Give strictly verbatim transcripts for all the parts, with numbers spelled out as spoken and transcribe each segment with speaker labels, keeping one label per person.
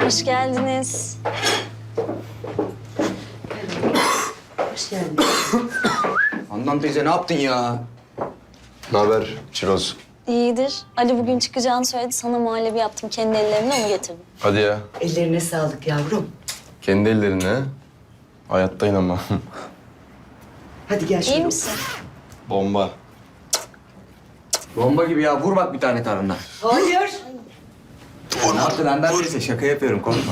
Speaker 1: Hoş geldiniz.
Speaker 2: Hoş geldin.
Speaker 3: Handan teyze ne yaptın ya?
Speaker 4: Ne haber Çiroz?
Speaker 1: İyidir. Ali bugün çıkacağını söyledi. Sana muhallebi yaptım. Kendi ellerimle onu getirdim.
Speaker 4: Hadi ya.
Speaker 2: Ellerine sağlık yavrum.
Speaker 4: Kendi ellerine. Hayatta inanmam.
Speaker 2: Hadi gel şöyle.
Speaker 1: İyi misin?
Speaker 4: Bomba.
Speaker 3: Bomba gibi ya. Vur bak bir tane tarhana.
Speaker 2: Hayır.
Speaker 3: Ne yaptın Handan teyze? Şaka yapıyorum. Korkma.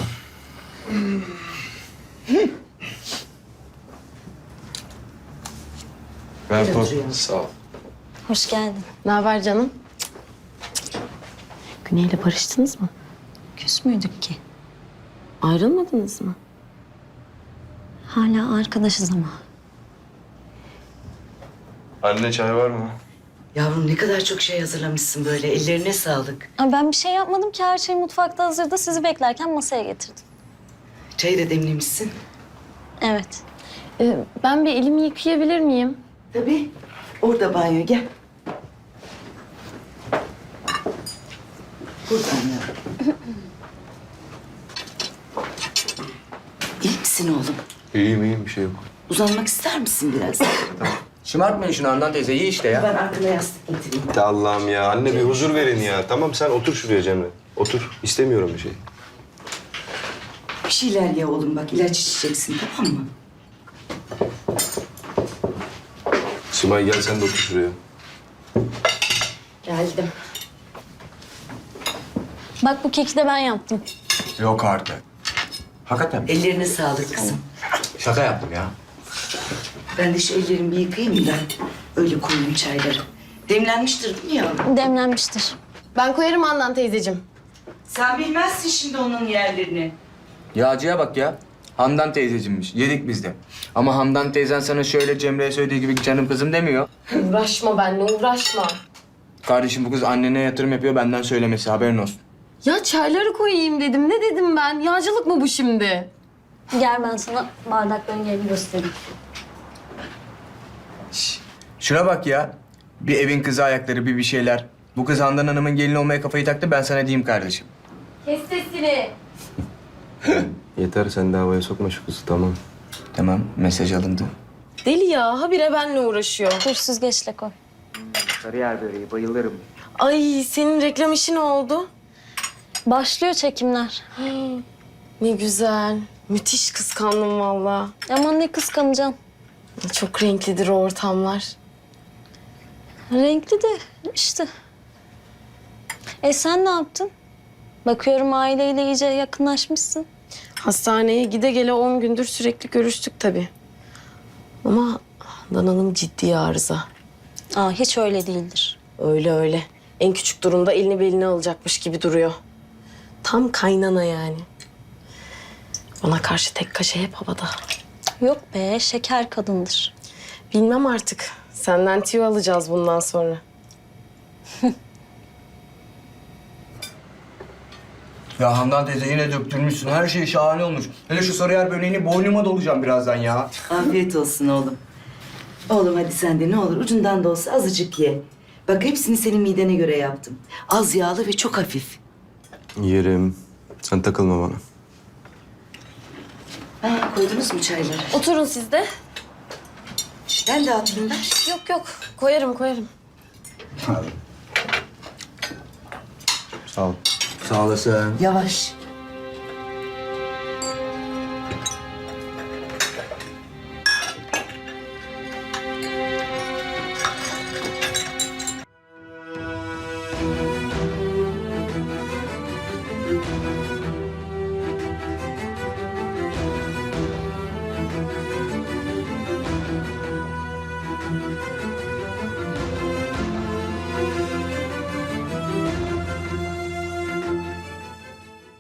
Speaker 4: Ver
Speaker 2: Gel
Speaker 4: top.
Speaker 2: oturayım.
Speaker 4: Sağ ol.
Speaker 1: Hoş geldin.
Speaker 5: Ne haber canım? Güney'le barıştınız mı?
Speaker 1: Küs müydük ki?
Speaker 5: Ayrılmadınız mı?
Speaker 1: Hala arkadaşız ama.
Speaker 4: Anne çay var mı?
Speaker 2: Yavrum ne kadar çok şey hazırlamışsın böyle. Ellerine sağlık.
Speaker 1: Ay ben bir şey yapmadım ki. Her şey mutfakta hazırda. Sizi beklerken masaya getirdim.
Speaker 2: Çayı da demlemişsin.
Speaker 1: Evet.
Speaker 5: Ee, ben bir elimi yıkayabilir miyim?
Speaker 2: Tabii. Orada banyo gel. Buradan yavrum. İyi misin oğlum?
Speaker 4: İyiyim iyiyim bir şey yok.
Speaker 2: Uzanmak ister misin biraz?
Speaker 3: Şımartmayın şunu Handan teyze. İyi işte ya.
Speaker 2: Ben arkana yastık getireyim.
Speaker 4: De Allah'ım ya. Anne bir huzur verin ya. Tamam sen otur şuraya Cemre. Otur. İstemiyorum bir şey.
Speaker 2: Bir şeyler ye oğlum bak ilaç içeceksin tamam mı?
Speaker 4: Simay gel sen de otur şuraya.
Speaker 5: Geldim.
Speaker 1: Bak bu keki de ben yaptım.
Speaker 3: Yok artık. Hakikaten mi?
Speaker 2: Ellerine sağlık kızım.
Speaker 3: Şaka yaptım ya.
Speaker 2: Ben de şu ellerimi bir yıkayayım da öyle koyayım çayları. Demlenmiştir değil mi yavrum?
Speaker 1: Demlenmiştir.
Speaker 5: Ben koyarım Handan teyzeciğim.
Speaker 2: Sen bilmezsin şimdi onun yerlerini.
Speaker 3: Yağcıya bak ya. Handan teyzecimmiş. Yedik biz de. Ama Handan teyzen sana şöyle Cemre'ye söylediği gibi canım kızım demiyor.
Speaker 5: Uğraşma benimle, uğraşma.
Speaker 3: Kardeşim bu kız annene yatırım yapıyor benden söylemesi. Haberin olsun.
Speaker 5: Ya çayları koyayım dedim. Ne dedim ben? Yağcılık mı bu şimdi?
Speaker 1: Gel ben sana bardakların yerini göstereyim.
Speaker 3: Şş, şuna bak ya. Bir evin kızı ayakları, bir bir şeyler. Bu kız Handan Hanım'ın gelini olmaya kafayı taktı. Ben sana diyeyim kardeşim.
Speaker 5: Kes sesini.
Speaker 4: Yeter sen de havaya sokma şu kızı tamam.
Speaker 3: Tamam, mesaj alındı.
Speaker 5: Deli ya, habire benimle uğraşıyor.
Speaker 1: Dur süzgeçle koy.
Speaker 3: Sarıyer böreği, bayılırım.
Speaker 5: Ay senin reklam işi ne oldu?
Speaker 1: Başlıyor çekimler.
Speaker 5: Ne güzel. Müthiş kıskandım vallahi.
Speaker 1: Aman ne kıskanacaksın.
Speaker 5: Çok renklidir o ortamlar.
Speaker 1: Renkli de işte. E sen ne yaptın? Bakıyorum aileyle iyice yakınlaşmışsın.
Speaker 5: Hastaneye gide gele on gündür sürekli görüştük tabii. Ama Handan Hanım ciddi arıza.
Speaker 1: Aa hiç öyle değildir.
Speaker 5: Öyle öyle. En küçük durumda elini beline alacakmış gibi duruyor. Tam kaynana yani. Bana karşı tek kaşe hep havada.
Speaker 1: Yok be şeker kadındır.
Speaker 5: Bilmem artık. Senden tüyo alacağız bundan sonra.
Speaker 3: Ya Handan teyze yine döktürmüşsün. Her şey şahane olmuş. Hele şu Sarıyer böreğini boynuma dolacağım birazdan ya.
Speaker 2: Afiyet olsun oğlum. Oğlum hadi sen de ne olur ucundan da olsa azıcık ye. Bak hepsini senin midene göre yaptım. Az yağlı ve çok hafif.
Speaker 4: Yerim. Sen takılma bana.
Speaker 2: Ha, koydunuz mu çayları?
Speaker 5: Oturun siz de.
Speaker 2: Ben de atayım ver.
Speaker 5: Yok yok. Koyarım koyarım.
Speaker 4: Sağ ol.
Speaker 3: Sağ olasın.
Speaker 2: Yavaş.